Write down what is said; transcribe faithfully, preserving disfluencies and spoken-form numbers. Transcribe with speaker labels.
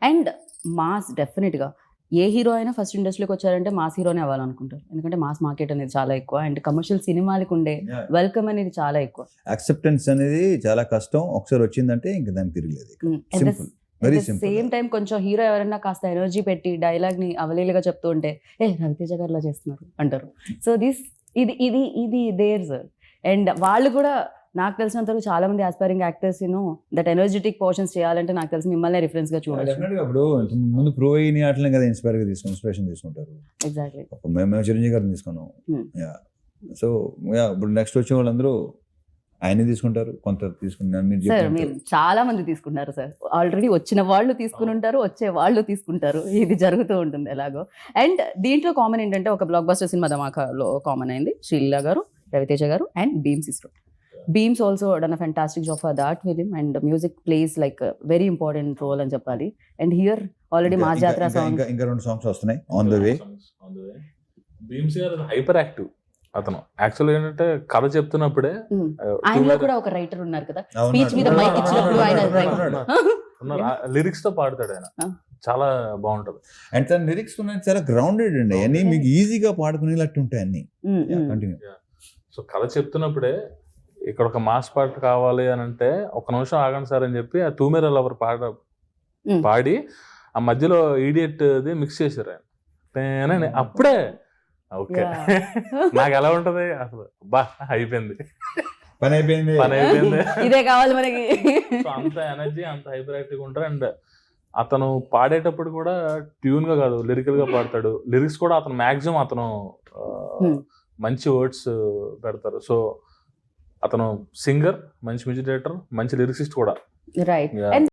Speaker 1: And mass డెఫినెట్గా ఏ hero అయినా first ఇండస్ట్రీకి వచ్చారంటే మాస్ హీరోనే అవ్వాలనుకుంటారు, ఎందుకంటే మాస్ మార్కెట్ అనేది చాలా ఎక్కువ అండ్ కమర్షియల్ సినిమాలకు ఉండే వెల్కమ్ అనేది చాలా ఎక్కువ.
Speaker 2: యాక్సెప్టెన్స్ అనేది చాలా కష్టం, ఒకసారి వచ్చిందంటే ఇంక దానికి తిరగలేదు. Simple, very simple.
Speaker 1: Same time కొంచెం హీరో ఎవరైనా కాస్త ఎనర్జీ పెట్టి డైలాగ్ ని అవలీలుగా చెప్తూ ఉంటే ఏ రవితేజ గారిలా చేస్తున్నారు అంటారు. సో దిస్ ఇది ఇది ఇది దేర్ సార్. అండ్ వాళ్ళు కూడా నాకు తెలిసినంత వరకు చాలా మంది ఆస్పైరింగ్ యాక్టర్స్ ను దట్ ఎనర్జెటిక్ పోర్షన్స్ చేయాలంటే నాకు తెలిసి మిమ్మల్ని రిఫరెన్స్ గా చూడొచ్చు.
Speaker 2: Definitely గా ఇప్పుడు ముందు ప్రో అయిన ఆటలనే కదా ఇన్స్పైర్ గా తీసుకుని ఇన్స్పిరేషన్ తీసుకుంటారు.
Speaker 1: ఎగ్జాక్ట్లీ.
Speaker 2: మేము చిరంజీవి గారిని తీసుకున్నాం. యా సో యా ఇప్పుడు నెక్స్ట్ వచ్చే వాళ్ళందరూ ఆయన తీసుకుంటారు, కొంత తీసుకున్నారు.
Speaker 1: సార్ మీరు చాలా మంది తీసుకున్నారు సార్, ఆల్రెడీ వచ్చిన వాళ్ళు తీసుకుని ఉంటారు, వచ్చే వాళ్ళు తీసుకుంటారు, ఇది జరుగుతూ ఉంటుంది ఎలాగో. అండ్ దీంట్లో కామన్ ఏంటంటే ఒక బ్లాక్ బస్టర్ సినిమా ధమాకాలో కామన్ అయింది శ్రీలీల గారు, రవితేజ గారు అండ్ బీమ్స్ ఇస్రో. Bheems also done a fantastic job for that film and music plays like very important role అని చెప్పాలి. అండ్ హియర్ ఆల్రెడీ మా జాతర సాంగ్
Speaker 2: ఇంకా రెండు సాంగ్స్ వస్తున్నాయి on the way.
Speaker 3: Bheems garu hyper active అతను. యాక్చువల్ ఏంటంటే కథ చెప్తున్నప్పుడే
Speaker 1: ఆయనలో కూడా ఒక రైటర్ ఉన్నారు కదా, స్పీచ్ మీద మైక్ ఇచ్చినప్పుడు ఆయన
Speaker 3: లిరిక్స్ తో పాడతాడు ఆయన, చాలా బాగుంటది.
Speaker 2: అండ్ తన లిరిక్స్ చాలా గ్రౌండెడ్ అండి, అన్ని మీకు ఈజీగా పాడుకునేటట్టు ఉంటాయి అన్ని. కంటిన్యూ.
Speaker 3: సో కథ చెప్తున్నప్పుడే ఇక్కడ ఒక మాస్ పాట కావాలి అని అంటే ఒక నిమిషం ఆగండి సార్ అని చెప్పి ఆ తూమెర లవర్ పాట పాడి ఆ మధ్యలో ఈడియట్ మిక్స్ చేశారు ఆయన. అప్పుడే ఓకే నాకు ఎలా ఉంటది అసలు, బా అయిపోయింది
Speaker 2: పని అయిపోయింది
Speaker 3: పని అయిపోయింది
Speaker 1: ఇదే కావాలి మనకి.
Speaker 3: సో అంత ఎనర్జీ, అంత హైపర్ యాక్టివ్ ఉంటారు. అండ్ అతను పాడేటప్పుడు కూడా ట్యూన్ గా కాదు లిరికల్ గా పాడతాడు. లిరిక్స్ కూడా అతను మాక్సిమం అతను మంచి వర్డ్స్ పెడతారు. సో అతను సింగర్, మంచి మ్యూజిక్ డైరెక్టర్, మంచి లిరిసిస్ట్ కూడా.
Speaker 1: రైట్.